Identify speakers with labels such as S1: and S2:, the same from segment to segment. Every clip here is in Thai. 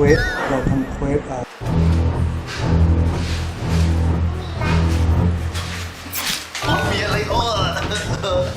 S1: ควส
S2: มีอะไรอ้อ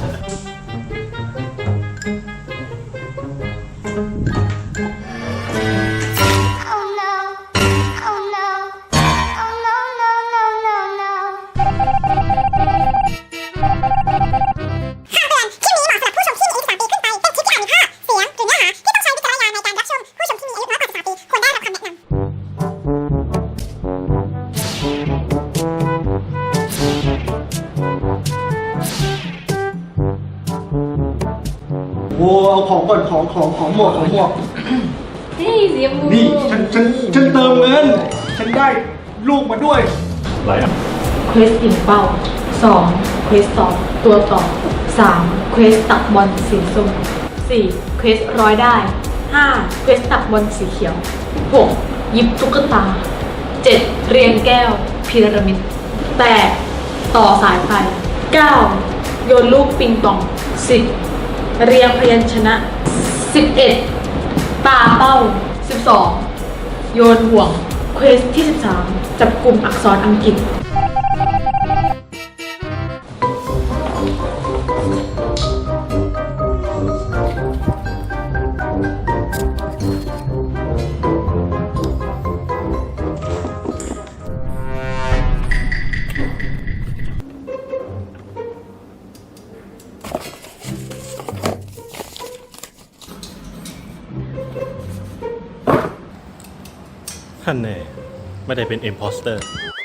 S1: โว้เอาของก่อนของหมด
S3: นี่สีชมพู
S1: นี่ฉันเติมเงินฉันได้ลูกมาด้วยอะไรอ่ะ
S3: เควสอิ่มเป้า2เควสตอบตัวต่อ3เควสตักบอลสีส้ม4เควสร้อยได้5เควสตักบอลสีเขียว6ยิบตุ๊กตา7เรียงแก้วพีระมิด8ต่อสายไฟ9โยนลูกปิงปอง10เรียงพยัญชนะ11ปาเป้า12โยนห่วงเควสที่13จับกลุ่มอักษรอังกฤษ
S4: ท่านแน่ไม่ได้เป็น imposter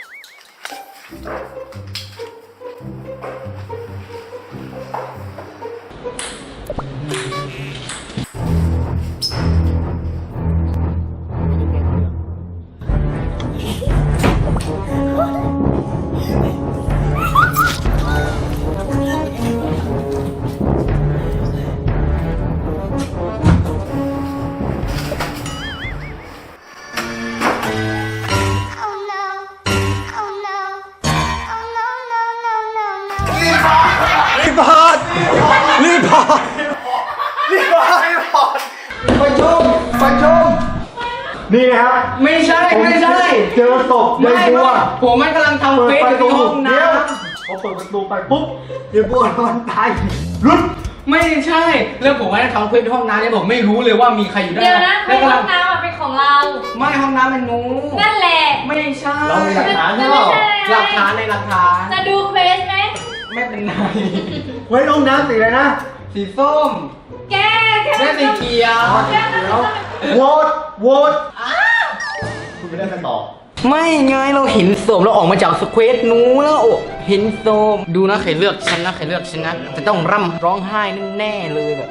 S1: ประชุมนี่ครับ
S5: ไม่ใช่
S1: เจอศพยายบัว
S5: ผมมันกำลังทำเฟซอยู่ที่ห้องน้ำ
S1: เขาเปิดประตูไปปุ๊บยายบัวนอนตายรุด
S5: ไม่ใช่แล้วผมว่าทำเฟซในห้องน้ำเนี่ยผมไม่รู้เลยว่ามีใครอยู่ด้าน
S3: เดี๋ยวนะ
S5: แล้ว
S3: ห้
S5: กำลั
S3: องน้ำเป็นของเรา
S5: ไม่ห้องน้ำเป็นหนู
S3: นั่นแหละ
S5: ไม่ใช่
S1: เรามีหลักฐานใช่เปล่า
S5: หลักฐานในหลักฐาน
S3: จะดูเควสไหม
S5: ไม่เป็นไร
S1: ไว้ห้องน้ำสีอะไรนะ
S5: สีส้ม
S3: แก
S5: และสีเขียว
S1: โหวตคุณไม่ได้ไปต่อ
S5: ไม่ไงเราเห็นโสมเราออกมาจากสเควสหนูแล้วโอ้เห็นโสมดูนะใครเลือกฉันนะจะต้องร่ำร้องไห้แน่ๆเลยแบบ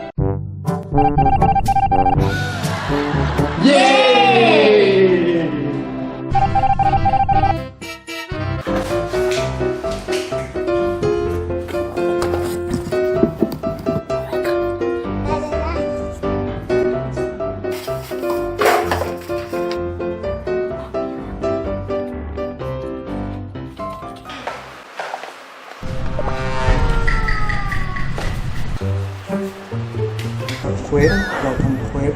S5: เย้
S1: เราทำเควส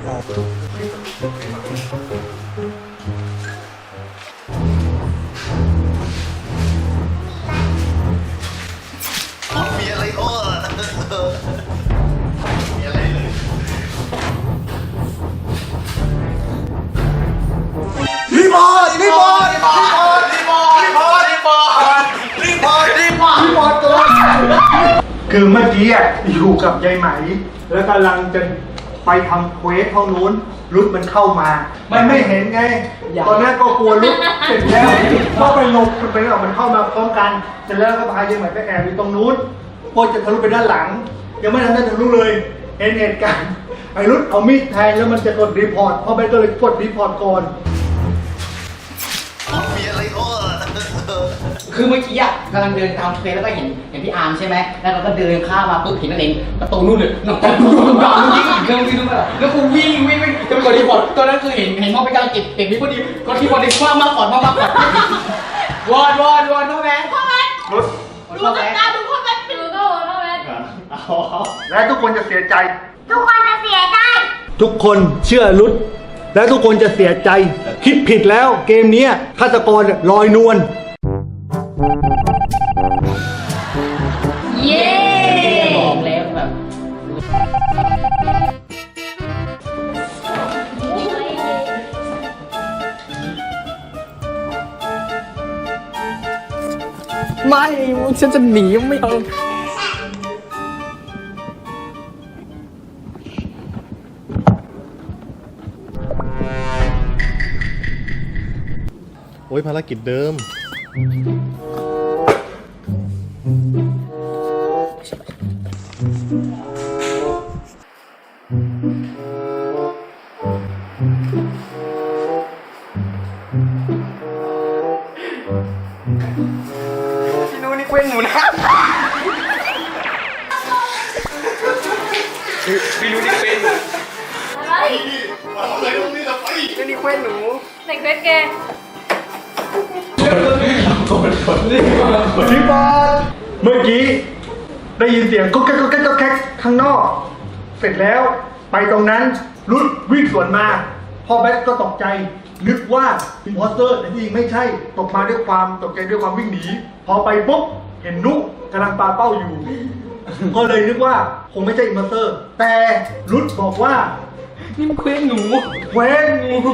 S2: มีอะไรอ้อมีอะไรเลย
S1: รีพอร์ตตัวคือเมื่อกี้อ่ะอยู่กับยายไหมแล้วกำลังจะไปทำเควสห้องนู้นรุดมันเข้ามามันไม่เห็นไงตอนนั้นก็กลัวรุดเสร็จแล้วก็ไปหลบไปออกมันเข้ามาพร้อมกันเสร็จแล้วก็พายายไหมไปแอบอยู่ตรงนู้นพอจะทะลุไปด้านหลังยังไม่ทันได้ทะลุเลยเห็นเหตุการณ์ไอ้รุดเอามีดแทงแล้วมันจะกดรีพอร์ตพอไปก็เลยกดรีพอร์ตก่อน
S2: มีอะไรอ้อ
S5: คือเมื่อกี้อ่ะกำลังเดินตามเฟซแล้วก็เห็นพี่อาร์มใช่ไหมแล้วเราก็เดินข้ามมาปุ๊บเห็นนั่นเองประตูนู่นเลยน้องตาดูด่ายิงอีกเครื่องที่นู่นแล้วกูวิ่งจะไปกดรีพอร์ตตอนนั้นคือเห็นมองไปกำลังเก็บนี่พอดีก็ที่พอดีคว้ามากก่อนวอดพ่อแม่
S1: รถ
S3: ดูกันตาดูพ่อแม่ดูก็โอ้พ่อแม่
S1: และทุกคนจะเสียใจ
S3: ทุกคนจะเสียใจ
S1: ทุกคนเชื่อรุดแล้วทุกคนจะเสียใจ คิดผิดแล้วเกมเนี้ยฆาตกรลอยนวล
S3: เย้
S5: บอกแล้วแบบ
S6: ไม่ฉันจะหนีไม่เอา
S4: โอ้ยภารกิจเดิม
S6: พี่นู้นี่เคว้งหนูนะพี่นู้นี่เคว้งหนู
S3: อะไร
S2: อะไรตรงนี้ล่ะไป
S6: พี่นี่เคว้งหนู
S3: ในเควสแก
S1: พี่บอลเมื่อกี้ได้ยินเสียงก็แก๊กก็แก๊กก็แก๊กข้างนอก เสร็จแล้วไปตรงนั้นรุดวิ่งสวนมาพ่อแบทก็ตกใจนึกว่าอิมพอสเตอร์แต่ที่จริงไม่ใช่ตกมาด้วยความตกใจด้วยความวิ่งหนีพอไปปุ๊บเห็นนุกกำลังปาเป้าอยู่ ก็เลยนึกว่าคงไม่ใช่อิมพอสเตอร์ แต่รุดบอกว่า
S6: นี่มันเคว้งหนู
S1: เควส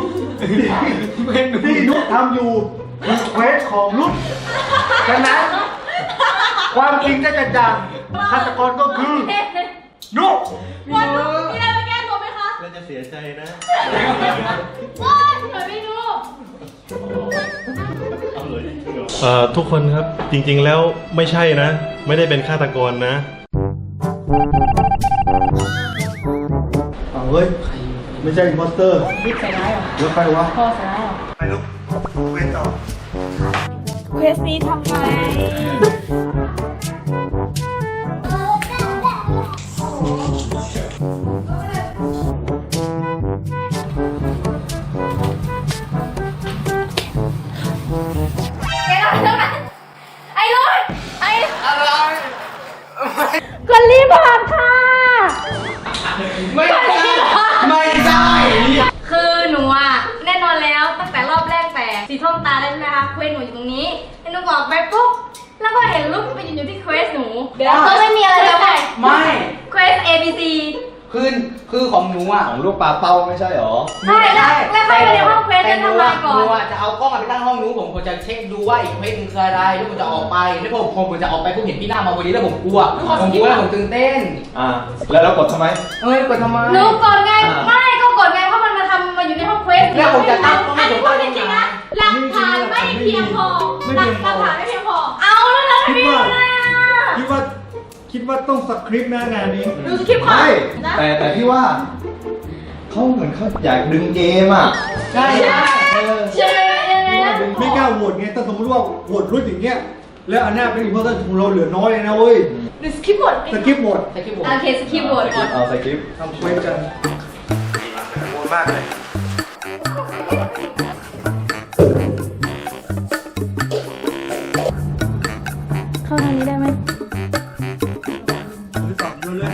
S1: ที่นุกทำอยู่คือเควสของรุดฉะนั้นความจริงจะกระจ่างฆาตกรก็คือนุก
S3: วันนู้นมีอะไรมาแก้ตัวไหมคะ
S4: แล้วจะเสียใจนะ
S3: ว้าวทำไมไม่รู้
S4: ทุกคนครับจริงๆแล้วไม่ใช่นะ ไม่ได้เป็นฆาตกรนะ
S1: เอาเว้ยไม่ใช่อิมพอสเตอร์
S3: บิ๊กใส่ร้ายเหรอ
S1: แล้วใครวะ
S3: พ่อใส่ร้ายเหรอ
S1: ไปลูกเว้นต่อ
S3: เควสนี้ทำไง แกทำเท่านั้นไอ้ลุยไอ้
S6: อะไร
S3: คนรีพอร์ตค่ะ
S5: ไม่ใช่ไม่ใช่
S3: คือหนูอ่ะแน่นอนแล้วตั้งแต่รอบแรกแต่สีส้มตาได้ใช่ไหมคะเควสหนูอยู่ตรงนี้แล้วหนูบอกไปปุ๊บแล้วก็เห็นรูปไปยืนอยู่ที่เควสหนูแล้วก็ไม่มีอะไรแล้วไง
S5: ไม่
S3: เควส A B C
S5: คือของหนูอ่ะ
S2: ของลูกปลาเป้าไม่ใช่หรอ
S3: ใช่แล้วเข้าไปในห้องเควส
S5: แต่
S3: จะทำอะไรก่อ
S5: หนู
S3: น
S5: อ่ะจะเอากล้องไปตั้งห้องนู้นผมควรจะเช็คดูว่าอีกเควสนึงคืออะไรแล้วผมจะออกไปแล้วผมจะออกไปผมเห็นพี่หน้ามาพอดีแล้วผมกลัวแล้วผมตื่นเต้น
S2: แล้วเรากดทำไม
S5: กดทำไม
S3: หนูกดไงไม่ก็กดไงเพราะมันมาอยู่ในห้องเควส
S5: แล้วผมจะตั้ง
S3: อันนี้พูดจริงๆนะหลักฐานไม่เพียงพอหลักฐานไม่เพียงพอเอาแล้วนะพี่อะไรอ่ะ
S1: คิดว่าต้องสคริปต์นะงานนี้
S3: ดูสคริปต์ก่อนนะ
S2: แต่พี่ว่าเขาเหมือนเขาอยากดึงเกมอ่ะ
S5: ใช่
S3: ใช่ยังไงนะ
S1: ไม่กล้าโหวตไงถ้าสมมติว่าโหวตรุ่นอย่างเงี้ยแล้วอันหน้าเป็นอิมพอสเตอร์ของเราเหลือน้อยเลยนะเว้ย
S3: ดูสคริปต์บท
S1: สคริปต์หมด
S5: แต่คิดผม
S3: โอเคสคริปต์บทก่อน
S2: เอาใส่คลิป
S1: ทำเควสกันโหวตมากเลย
S3: เข้าทางนี้ได้ไหม
S1: หรือตอบโยนเลย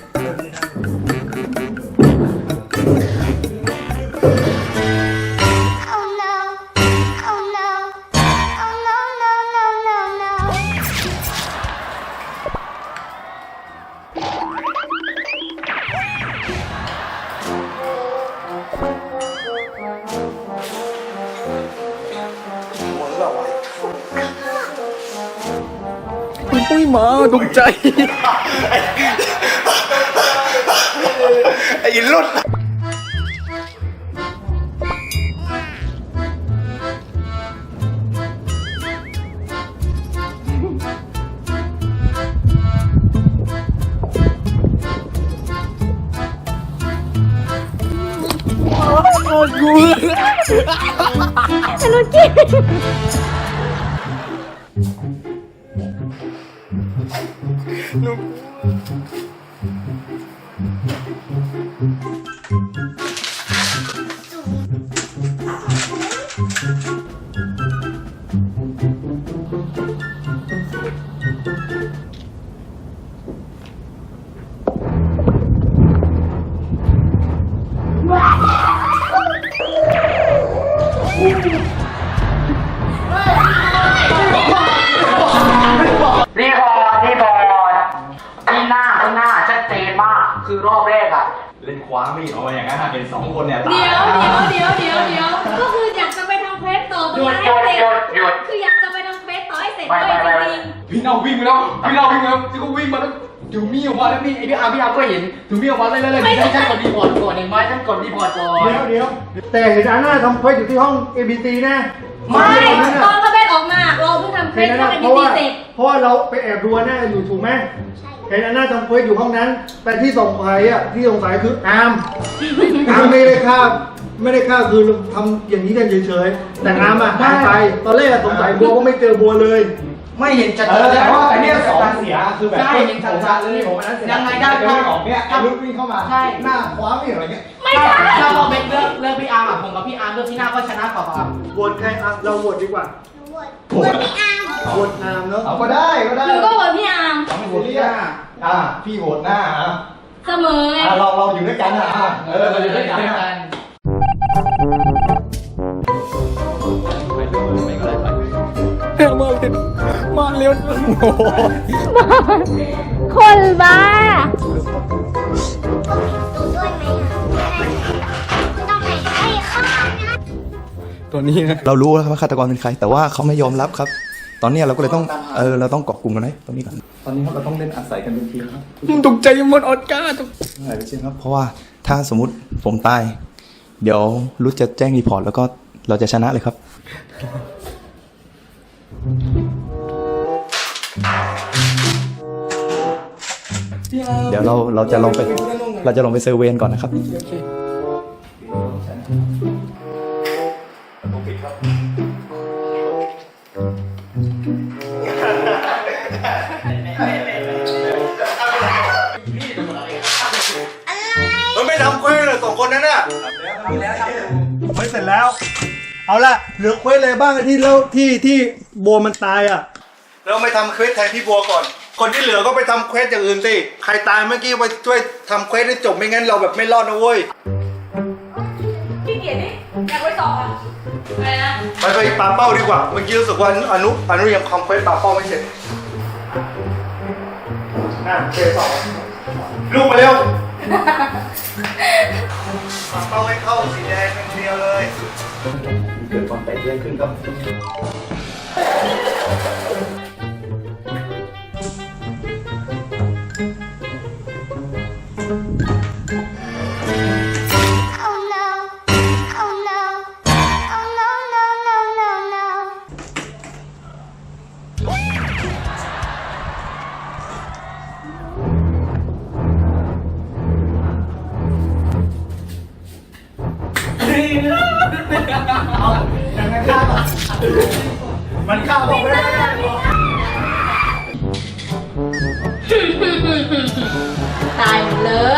S7: Oh no. Oh no. Oh no, no, no, no, no.
S6: อุ้ยหมาตกใจ
S2: ไอ้รุ่น
S7: Wow.
S5: รอบแรกอ่ะ
S2: เล่นคว้ามีดออกมาอย่างนั้นเห็นสองคนเนี่ยตาย
S3: เดี๋ยวก็คืออยากจะไปทำเควสต่อตรงนั้นให้เสร็จคืออยากจะไปทำเควสต่อให้เสร็จด้วยจริง
S5: พี่น้องวิ่งมาแล้วพี่น้องวิ่งมาแล้วที่กูวิ่งมาแล้วถือมีดออกมาแล้วพี่ไอพี่อาร์ก็เห็นถือมีดออกมาเลยฉันกดรีพอร์ตก่อนเห็นไหมฉันกดรีพอร์ตก่อน
S1: เดี๋ยวแต่เห็นอาน่าทำเควสอยู่ที่ห้อง ABC นะ
S3: ๆไม่ตอนเขาเบนออกมาเราเพิ่งทำเควสเข้ากันดีๆเสร็จ
S1: เพราะว่าเราไปแอบดูอาน่าอยู่ถูกไหมเห็นอาน่าทำเควสอยู่ห้องนั้น แต่ที่สงสัยคืออาร์มไม่ได้ฆ่าคือทำอย่างนี้กันเฉยๆแต่อาร์มหายไปตอนแรกสงสัยบัวก็ไม่เจอบัวเลย
S5: ไม่เห็นชัด
S2: แต่ว่าอันเนี้ยสองเสียคือแบบ
S5: ใช่เห็นชัดๆเลย
S2: ผมอันนั้นเสีย
S5: ยังไงได้
S2: เดินออกเนี่ยลุกวิ่งเข้ามา
S5: ใช่
S2: หน้าคว้ามีดอะไรเงี้ย
S3: ไม่ใช่
S5: ถ้าเราเบนเลือกพี่อาร์มผมกับพี่อาร์มเลือกพี่หน้าก็ชนะต่อครับ
S1: โหวตใครอ่ะเราโหวตดีกว่า
S7: ปวดไม่อ้าม
S1: โหวตอาร์มเนาะ
S2: เอาก็ได้
S3: หนูก็โหวตพี่อาร์ม
S2: ไม่โหวตหน้าพี่โหวตหน้า
S3: เสมอไง
S2: เราอยู่ด้วยกันเราอยู่ด้วยกัน
S3: คนบ้า
S7: ดูด้วยไหมไม่ต้องไหนให้ข้างนะ
S6: ตัวนี้นะ
S8: เรารู้แล้วครับว่าฆาตกรเป็นใคร แต่ว่าเขาไม่ยอมรับครับ ตอนนี้เราก็เลยต้องเราต้องเกาะกลุ่มกันไว้ตรงนี้ก่อนตอนนี้ครับเราต้องเล่นอาศัยกันเป็นทีมครับ
S6: ตกใจหมดออดก้าตก
S8: อะไรไปเช่นครับ เพราะว่าถ้าสมมุติผมตาย เดี๋ยวรุดจะแจ้งรีพอร์ตแล้วก็เราจะชนะเลยครับ เดี๋ยวเราจะลงไปเซอร์เวนก่อนนะครับ
S1: มันไม่ทำเควสเลยสองคนนั้นน่ะไม่เสร็จแล้ว เอาละเหลือเควสอะไรบ้างที่แล้วที่บัวมันตายอ่ะเราไม่ทำเควสแทนพี่บัวก่อน คนที่เหลือก็ไปทำเควสอย่างอื่นสิใครตายเมื่อกี้ไปช่วยทำเควสให้จบไม่งั้นเราแบบไม่รอดนะเว้ย
S3: พี่เกียรติอยากไปต่ออ่ะอะไรนะ
S1: ไปปาเป้าดีกว่าเมื่อกี้รู้สึกว่าอนุยังทำเควสปาเป้าไม่เสร็จเคต่อลูกมาเร็วปาเป้าให้เข้าสีแดงอย่างเดียวเลย
S2: เกิดความแตกแยกขึ้นครับ
S7: Oh no Oh no Oh no no no no no
S1: มันฆ่าผมไม่ได้
S3: ตายหมดเลย